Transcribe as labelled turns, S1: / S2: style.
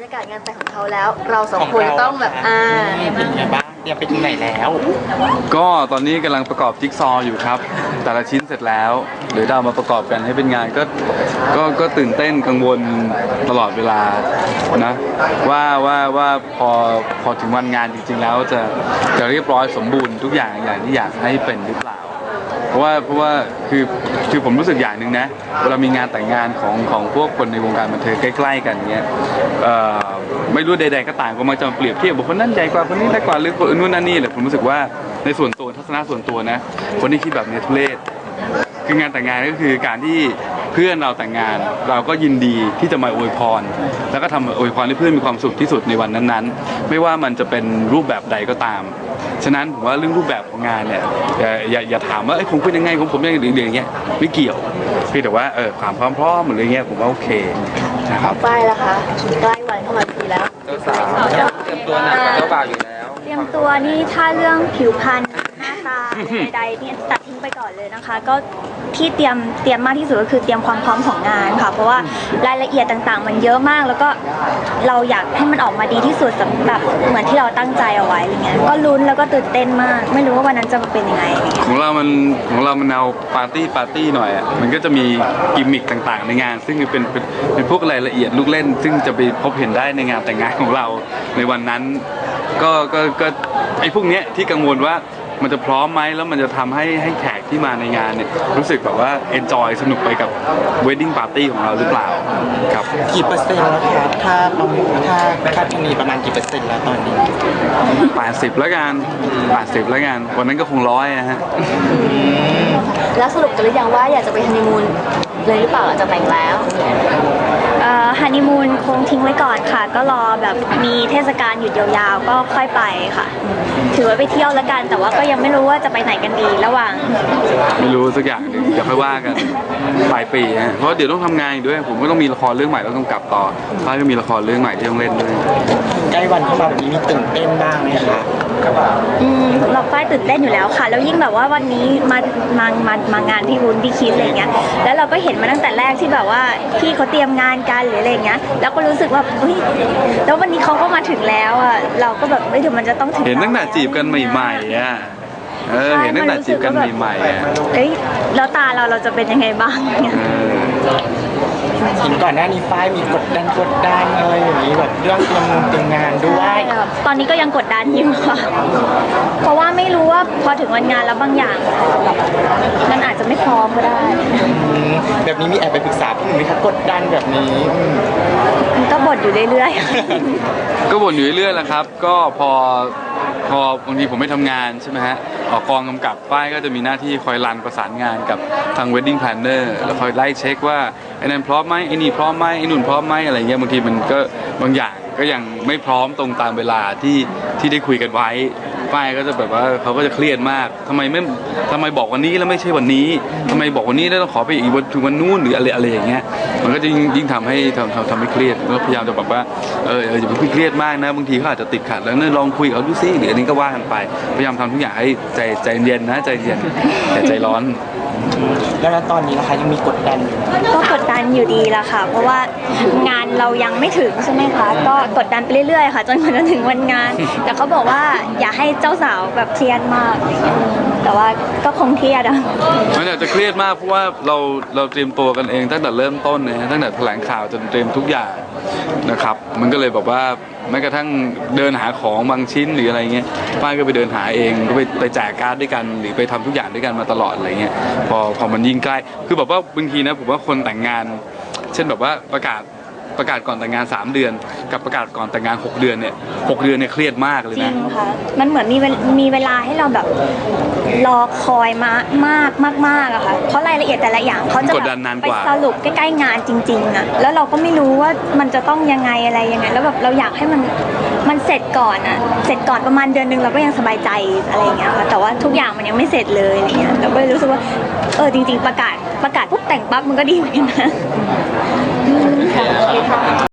S1: ากาศงานแต่งของเขาแล้ว เราสองคนต้องแบบ
S2: เป็นไงบ้างเตรียมไปถึงไหนแล้ว
S3: ก็ตอนนี้กำลังประกอบจิ๊กซอว์อยู่ครับ แต่ละชิ้นเสร็จแล้วหรือเอามาประกอบกันให้เป็นงานก็ตื่นเต้นกังวลตลอดเวลานะว่าพอถึงวันงานจริงๆแล้วจะเรียบร้อยสมบูรณ์ทุกอย่างที่อยากให้เป็นหรือเปล่าเพราะว่าคือผมรู้สึกอย่างหนึ่งนะเวลามีงานแต่งงานของพวกคนในวงการบันเทิงใกล้ๆกันเงี้ยไม่รู้ใดๆก็ต่างก็มักจะเปรียบเทียบบุคคลนั้นใหญ่กว่าคนนี้เล็กกว่าหรือคนนู้นนั่นนี่แหละผมรู้สึกว่าในส่วนตัวทัศนะส่วนตัวนะคนที่คิดแบบนี้ทุเรศคืองานแต่งงานก็คือการที่เพื่อนเราแต่งงานเราก็ยินดีที่จะมาอวยพรแล้วก็ทำอวยพรให้เพื่อนมีความสุขที่สุดในวันนั้นๆไม่ว่ามันจะเป็นรูปแบบใดก็ตามฉะนั้นผมว่าเรื่องรูปแบบของงานเนี่ยอย่าถามว่าของคุณยังไงของผมยังไงหรืออย่างเงี้ยไม่เกี่ยวเพียงแต่ว่าความพร้อมหรืออะไรเงี้ยผมว่าโอเคนะครับ
S1: ป้ายแล้วค่ะใกล้วันเข้ามาทีแล้ว
S2: เจ้าสาวเตรียมตัวหนักกว่าเจ้าบ่าวอยู่แล้ว
S4: เตรียมตัวนี่ถ้าเรื่องผิวพรรณหน้าตาใดๆนี่ตัดทิ้งไปก่อนเลยนะคะก็ที่เตรียมมากที่สุดก็คือเตรียมความพร้อมของงานค่ะเพราะว่ารายละเอียดต่างๆมันเยอะมากแล้วก็เราอยากให้มันออกมาดีที่สุดสำหรับเหมือนที่เราตั้งใจเอาไว้อะไรเงี้ยก็ลุ้นแล้วก็ตื่นเต้นมากไม่รู้ว่าวันนั้นจะมาเป็นยังไง
S3: ของเรามันเอาปาร์ตี้หน่อยอ่ะมันก็จะมีกิมมิคต่างๆในงานซึ่งเป็นพวกรายละเอียดลูกเล่นซึ่งจะไปพบเห็นได้ในงานแต่งงานของเราในวันนั้นก็ไอ้พวกเนี้ยที่กังวลว่ามันจะพร้อมไหมแล้วมันจะทำให้แขกที่มาในงานเนี่ยรู้สึกแบบว่าเอนจอยสนุกไปกับเวดดิ้งปาร์ตี้ของเราหรือเปล่าครับ
S2: กี่เปอร์เซ็นต์แล้วครับถ้าคาดคะเนประมาณกี่เปอร์เซ็นต์แล้วตอนนี้
S3: 80แล้วกัน80แล้วกันวันนั้นก็คง100นะฮะ
S1: แล้วสรุปกันหรือยังว่าอยากจะไปฮันนีมูนเลยหรือเปล่าจะแต่งแล้ว
S4: ฮันนีมูนคงทิ้งไว้ก่อนค่ะก็รอแบบมีเทศกาลหยุดยาวๆก็ค่อยไปค่ะถือว่าไปเที่ยวแล้วกันแต่ว่าก็ยังไม่รู้ว่าจะไปไหนกันดีระหว่าง
S3: ไม่รู้สักอย่างหนึ่งเดี๋ยวค่อยว่ากันปลายปีฮะเพราะเดี๋ยวต้องทำงานอีกด้วยผมก็ต้องมีละครเรื่องใหม่แล้วต้องกลับต่อท้ายก็มีละครเรื่องใหม่ที่ต้องเล่นด้วย
S2: ใกล้วันเข้ามาแบบนี้มีตื่นเต้นบ้างไหมคะ
S4: เราฝ้ายตื่นเต้นอยู่แล้วค่ะแล้วยิ่งแบบว่าวันนี้มางานพี่วุ้นพี่คิดอะไรเงี้ยแล้วเราก็เห็นมาตั้งแต่แรกที่แบบว่าพี่เขาเตรียมงานกันหรืออะไรเงี้ยแล้วก็รู้สึกว่าเฮ้ยแล้ววันนี้เขาก็มาถึงแล้วอ่ะเราก็แบบไม่ถึงมันจะต้องถึง
S3: เห็นตั้งแต่จีบกันใหม่ๆอ่ะเห็นตั้งแต่จีบกันใหม่ๆอ่ะ
S4: เฮ้ยแล้วตาเราจะเป็นยังไงบ้างเนี่ย
S2: เห็นก่อนหน้านี้ฝ้ายมีกดดันอะไรอย่างนี้แบบเรื่องเตรียมงานด้วย
S4: ตอนนี้ก็ยังกดดันอยู่ค่ะเพราะว่าไม่รู้ว่าพอถึงวันงานแล้วบางอย่างมันอาจจะไม่พร้อมก็ได้
S2: แบบนี้มีแอบไปปรึกษาพี่หนุ่มไหมคะกดดันแบบนี้
S4: ก็บ่นอยู่เรื่อย
S3: ๆก็บ่นอยู่เรื่อยๆแหละครับก็พอบางทีผมไม่ทำงานใช่ไหมฮะออกกองกำกับป้ายก็จะมีหน้าที่คอยรันประสานงานกับทาง wedding planner แล้วคอยไล่เช็คว่าไอ้นั่นพร้อมไหมไอ้นี่พร้อมไหมไอ้นู่นพร้อมไหมอะไรเงี้ยบางทีมันก็บางอย่างก็ยังไม่พร้อมตรงตามเวลาที่ได้คุยกันไว้ป้ายก็จะแบบว่าเขาก็จะเครียดมากทำไมบอกวันนี้แล้วไม่ใช่วันนี้ทำไมบอกวันนี้แล้วต้องขอไปอีกวันถึงวันนู้นหรืออะไรอย่างเงี้ยมันก็จะยิ่งทำให้เครียดก็พยายามจะแบบว่าอย่าไปเครียดมากนะบางทีเขาอาจจะติดขัดแล้วเนี่ยลองคุยกับเขาดูซิหรืออันนี้ก็ว่ากันไปพยายามทำทุกอย่างให้ใจเย็นนะใจเย็นแต่ใจร้อน
S2: แล้วตอนนี้นะคะยังมีกดดันอยู่
S4: ก็กดดันอยู่ดีละค่ะเพราะว่างานเรายังไม่ถึงใช่ไหมคะก็กดดันไปเรื่อยๆค่ะจนกว่าจะถึงวันงานแต่เขาบอกว่าอย่าให้เจ้าสาวแบบเครียดมากแต่ว่าก็คงเครียดอะ
S3: มันอาจจะเครียดมากเพราะว่าเราเตรียมตัวกันเองตั้งแต่เริ่มต้นนะตั้งแต่แถลงข่าวจนเตรียมทุกอย่างนะครับมันก็เลยแบบว่าแม้กระทั่งเดินหาของบางชิ้นหรืออะไรเงี้ยป้ายก็ไปเดินหาเองก็ไปแจกการ์ดด้วยกันหรือไปทำทุกอย่างด้วยกันมาตลอดอะไรเงี้ยพอมันยิ่งใกล้คือแบบว่าบางทีนะผมว่าคนแต่งงานเช่นแบบว่าประกาศก่อนแต่งงาน3เดือนกับประกาศก่อนแต่งงาน6เดือนเนี่ย6เดือนเนี่ยเครียดมากเลยนะ
S4: จริงค่ะมันเหมือนมีเวลาให้เราแบบรอคอยมากอะค่ะเพราะรายละเอียดแต่ละอย่างเขาจะไปสรุปใกล้ๆงานจริงๆอะแล้วเราก็ไม่รู้ว่ามันจะต้องยังไงอะไรยังไงแล้วแบบเราอยากให้มันเสร็จก่อนอะเสร็จก่อนประมาณเดือนนึงเราก็ยังสบายใจอะไรอย่างเงี้ยค่ะแต่ว่าทุกอย่างมันยังไม่เสร็จเลยอะไรเงี้ยเราก็เลยรู้สึกว่าจริงๆประกาศปุ๊บแต่งปั๊บมันก็ดีเหมือนกันนะ